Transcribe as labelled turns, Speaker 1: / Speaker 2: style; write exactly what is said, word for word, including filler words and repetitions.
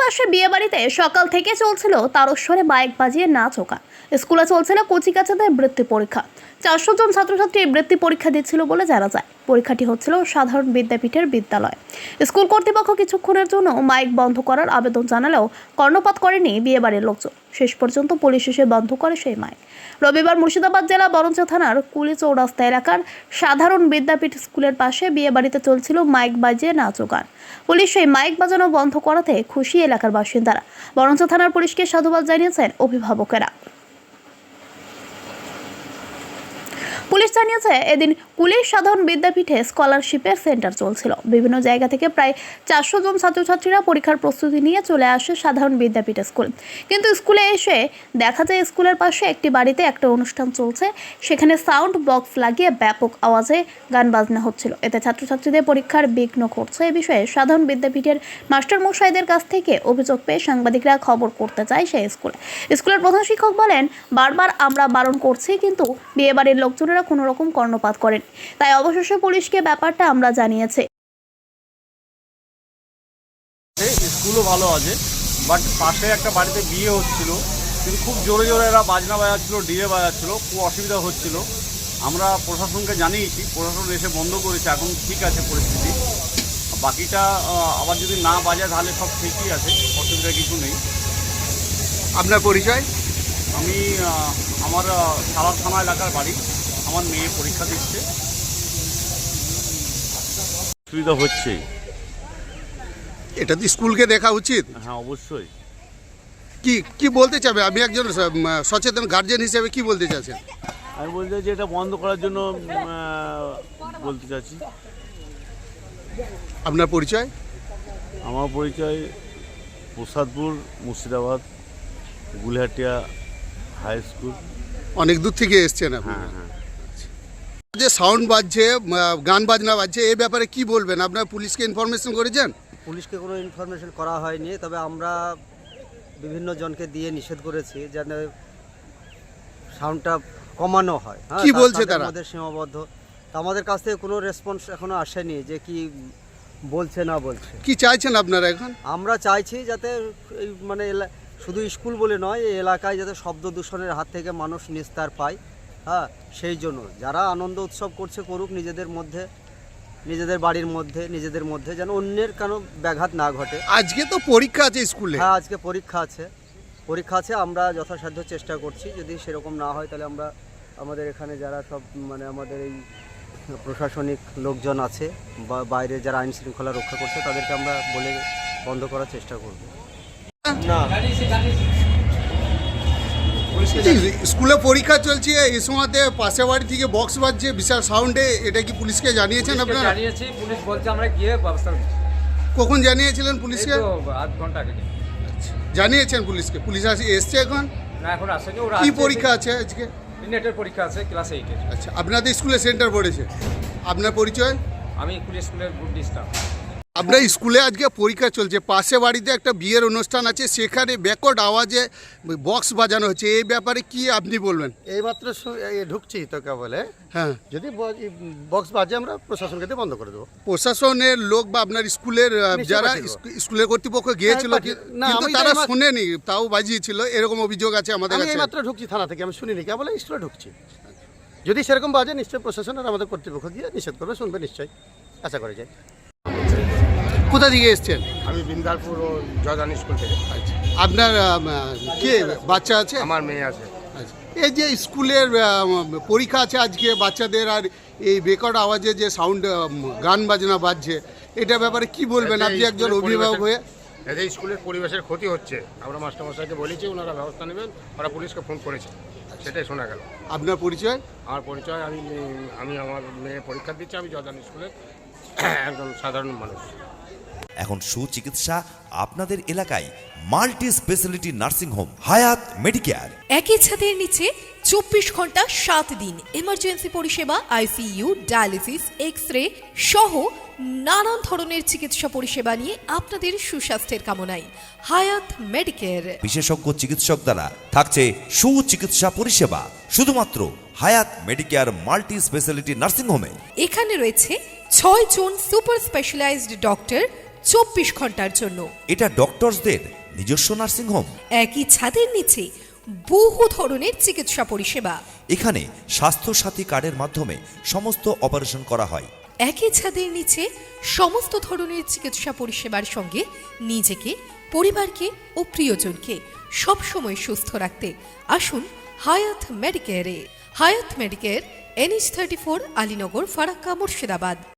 Speaker 1: পাশে বিয়ে বাড়িতে সকাল থেকে চলছিল তারস্বরে মাইক বাজিয়ে নাচ ও গান। স্কুলে চলছিল কচিকাচাদের বৃত্তি পরীক্ষা। চারশো জন ছাত্রছাত্রী বৃত্তি পরীক্ষা দিচ্ছিল বলে জানা যায়। পরীক্ষাটি হচ্ছিল সাধারণ বিদ্যাপীঠের বিদ্যালয়। স্কুল কর্তৃপক্ষ কিছুক্ষণের জন্য মাইক বন্ধ করার আবেদন জানালেও কর্ণপাত করেনি বিয়ে বাড়ির লোকজন। শেষ পর্যন্ত পুলিশ এসে বন্ধ করে সেই মাইক। রবিবার মুর্শিদাবাদ জেলা বরঞ্চ থানার কুলি চৌরাস্তা এলাকার সাধারণ বিদ্যাপীঠ স্কুলের পাশে বিয়ে বাড়িতে চলছিল মাইক বাজিয়ে নাচ ও গান। পুলিশ সেই মাইক বাজানো বন্ধ করাতে খুশি এলাকার বাসিন্দারা। বরঞ্চ থানার পুলিশকে সাধুবাদ জানিয়েছেন অভিভাবকেরা। পুলিশ জানিয়েছে, এদিন কুলি সাধারণ বিদ্যাপীঠে স্কলারশিপের সেন্টার চলছিল। বিভিন্ন জায়গা থেকে প্রায় চারশো জন ছাত্রছাত্রীরা পরীক্ষার প্রস্তুতি নিয়ে চলে আসে সাধারণ বিদ্যাপীঠ স্কুল। কিন্তু স্কুলে এসে দেখা যায় স্কুলের পাশে একটি বাড়িতে একটা অনুষ্ঠান চলছে। সেখানে সাউন্ড বক্স লাগিয়ে ব্যাপক আওয়াজে গান বাজনা হচ্ছিল। এতে ছাত্রছাত্রীদের পরীক্ষার বিঘ্ন ঘটছে। এ বিষয়ে সাধারণ বিদ্যাপীঠের মাস্টার মশাইদের কাছ থেকে অভিযোগ পেয়ে সাংবাদিকরা খবর করতে চায় সেই স্কুলে। স্কুলের প্রধান শিক্ষক বলেন, বারবার আমরা বারণ করছি, কিন্তু বিয়ে বাড়ির লোকজনের কোনো রকম কর্ণপাত করেন। তাই অবশেষে পুলিশকে ব্যাপারটা আমরা জানিয়েছি।
Speaker 2: স্কুলও ভালো আছে, বাট পাশে একটা বাড়িতে বিয়ে হচ্ছিল, কিন্তু খুব জোরে জোরে এরা বাজনা বাজাচ্ছিল, ডিজে বাজাচ্ছিল, খুব অসুবিধা হচ্ছিল। আমরা প্রশাসনকে জানিয়েছি, প্রশাসন এসে বন্ধ করেছে। এখন ঠিক আছে পরিস্থিতি। বাকিটা আবার যদি না বাজায় তাহলে সব ঠিকই আছে, অসুবিধা কিছু নেই।
Speaker 3: আপনার পরিচয়?
Speaker 2: আমি আমার সালার থানা এলাকার বাড়ি। আমার মেয়ে পরীক্ষা দিচ্ছে। অসুবিধা হচ্ছে,
Speaker 3: এটা তো স্কুলকে দেখা উচিত।
Speaker 2: হ্যাঁ অবশ্যই।
Speaker 3: কি কি বলতে চাবে? আমি একজন সচেতন গার্জেন হিসেবে কি বলতে চাচ্ছেন?
Speaker 2: আমি বলতে চাইছি এটা বন্ধ করার জন্য বলতে চাচ্ছি।
Speaker 3: আপনার পরিচয়?
Speaker 2: আমার পরিচয় প্রসাদপুর, মুর্শিদাবাদ, গুলহাটিয়া হাই স্কুল।
Speaker 3: অনেক দূর থেকে এসছেন আপনি?
Speaker 2: হ্যাঁ হ্যাঁ।
Speaker 3: যে সাউন্ড বাজছে, গান বাজনা বাজছে, এই ব্যাপারে কি বলবেন? আপনার পুলিশকে ইনফরমেশন করেছেন?
Speaker 4: পুলিশকে কোনো ইনফরমেশন করা হয়নি, তবে আমরা বিভিন্ন জনকে দিয়ে নিষেধ করেছি যেন সাউন্ডটা কমানো হয়।
Speaker 3: কি বলছে তারা?
Speaker 4: আমাদের সীমাবদ্ধ, আমাদের কাছ থেকে কোনো রেসপন্স এখনো আসেনি যে কি বলছে না বলছে।
Speaker 3: কি চাইছেন আপনারা এখন?
Speaker 4: আমরা চাইছি যাতে এই মানে শুধু স্কুল বলে নয়, এই এলাকায় যাতে শব্দ দূষণের হাত থেকে মানুষ নিস্তার পায়। হ্যাঁ, সেই জন্য যারা আনন্দ উৎসব করছে করুক নিজেদের মধ্যে, নিজেদের বাড়ির মধ্যে, নিজেদের মধ্যে, যেন অন্যের কোনো ব্যাঘাত না ঘটে।
Speaker 3: আজকে তো পরীক্ষা আছে স্কুলে।
Speaker 4: হ্যাঁ, আজকে পরীক্ষা আছে পরীক্ষা আছে আমরা যথাসাধ্য চেষ্টা করছি। যদি সেরকম না হয় তাহলে আমরা আমাদের এখানে যারা সব মানে আমাদের এই প্রশাসনিক লোকজন আছে বা বাইরে যারা আইন শৃঙ্খলা রক্ষা করছে তাদেরকে আমরা বলে বন্ধ করার চেষ্টা করব। না,
Speaker 3: স্কুলে পরীক্ষা চলছে, এই সময়তে পাশে বাড়ি থেকে বক্স বাজছে বিশাল সাউন্ডে, এটা কি পুলিশকে জানিয়েছেন আপনারা?
Speaker 5: জানিয়েছি, পুলিশ বলছে আমরা গিয়ে ব্যবস্থা নিচ্ছি।
Speaker 3: কখন জানিয়েছিলেন পুলিশকে?
Speaker 5: আধ ঘন্টা আগে
Speaker 3: জানিয়েছেন পুলিশকে? পুলিশ আসে এসছে এখন?
Speaker 5: না, এখন আসেনি। ওরা
Speaker 3: কি পরীক্ষা আছে আজকে?
Speaker 5: নেটের পরীক্ষা আছে, ক্লাস এইটের।
Speaker 3: আচ্ছা, আপনাদের স্কুলে সেন্টার পড়েছে। আপনার পরিচয়?
Speaker 5: আমি কুলি স্কুলের গ্রুপ ডি স্টাফ।
Speaker 3: আপনার স্কুলে আজকে পরীক্ষা চলছে, পাশে বাড়িতে একটা বিয়ের অনুষ্ঠান আছে, সেখানে ব্যাকড আওয়াজে বক্স বাজানো হচ্ছে, এই ব্যাপারে কি আপনি বলবেন?
Speaker 6: এইমাত্র ঢুকছি তো বলে,
Speaker 3: হ্যাঁ,
Speaker 6: যদি বক্স বাজে আমরা প্রশাসনকে দিয়ে বন্ধ করে দেবো।
Speaker 3: প্রশাসনের লোক বা আপনার স্কুলের যারা স্কুলের কর্তৃপক্ষ গিয়েছিল, কিন্তু তারা শোনেনি, তাও বাজিয়েছিল, এরকম অভিযোগ আছে আমাদের কাছে।
Speaker 6: এইমাত্র ঢুকছি থানা থেকে, আমি শুনিনি, কে বলে স্কুলে ঢুকছি। যদি সেরকম বাজে নিশ্চয়ই প্রশাসনের আমাদের কর্তৃপক্ষ গিয়ে নিষেধ করবে, শুনবে নিশ্চয়ই, আশা করে যাই।
Speaker 3: কোথা থেকে এসছেন?
Speaker 7: আমি বিন্দালপুর ও জয়দান স্কুল থেকে।
Speaker 3: আচ্ছা, আপনার কে বাচ্চা আছে?
Speaker 7: আমার মেয়ে আছে।
Speaker 3: আচ্ছা, এই যে স্কুলের পরীক্ষা আছে আজকে বাচ্চাদের, আর এই বেকড আওয়াজে যে সাউন্ড গান বাজনা বাজছে, এটা ব্যাপারে কি বলবেন আপনি একজন অভিভাবক হয়ে?
Speaker 7: এতে স্কুলের পরিবেশের ক্ষতি হচ্ছে, আমরা মাস্টারমশাইকে বলেছি, ওনারা ব্যবস্থা নেবেন, ওরা পুলিশকে ফোন করেছে, সেটাই শোনা গেল।
Speaker 3: আপনার পরিচয়?
Speaker 7: আমার পরিচয়, আমি আমি আমার মেয়ে পরীক্ষা দিচ্ছি, আমি জয়দান স্কুলের একজন সাধারণ মানুষ।
Speaker 8: এখন সুচিকিৎসা আপনাদের এলাকায়, multi speciality nursing home Hayat Medicare.
Speaker 9: একই ছাদের নিচে চব্বিশ ঘন্টা সাত দিন এমার্জেন্সি পরিষেবা, আইসিইউ, ডায়ালিসিস, এক্স রে সহ নানান ধরনের চিকিৎসা পরিষেবা নিয়ে আপনাদের সুস্বাস্থ্যের কামনায় হায়াত মেডিকেয়ার।
Speaker 8: বিশেষজ্ঞ চিকিৎসক দ্বারা থাকছে সুচিকিৎসা পরিষেবা শুধুমাত্র হায়াত মেডিকেয়ার মাল্টি স্পেশালিটি নার্সিং হোমে।
Speaker 9: এখানে রয়েছে ছয় জন সুপার স্পেশালাইজড ডক্টর, চব্বিশ ঘন্টার জন্য।
Speaker 8: এটা ডক্টরসদের নিজস্ব নার্সিংহোম।
Speaker 9: একই ছাদের নিচে বহু ধরনের চিকিৎসা পরিষেবা।
Speaker 8: এখানে স্বাস্থ্য সাথী কার্ডের মাধ্যমে সমস্ত অপারেশন করা হয়।
Speaker 9: একই ছাদের নিচে সমস্ত ধরনের চিকিৎসা পরিষেবার সঙ্গে নিজেকে, পরিবারকে ও প্রিয়জনকে সবসময় সুস্থ রাখতে আসুন হায়াত মেডিকেয়ারে। Hayat Medicare NH thirty four Alinagar, Farakka, Murshidabad.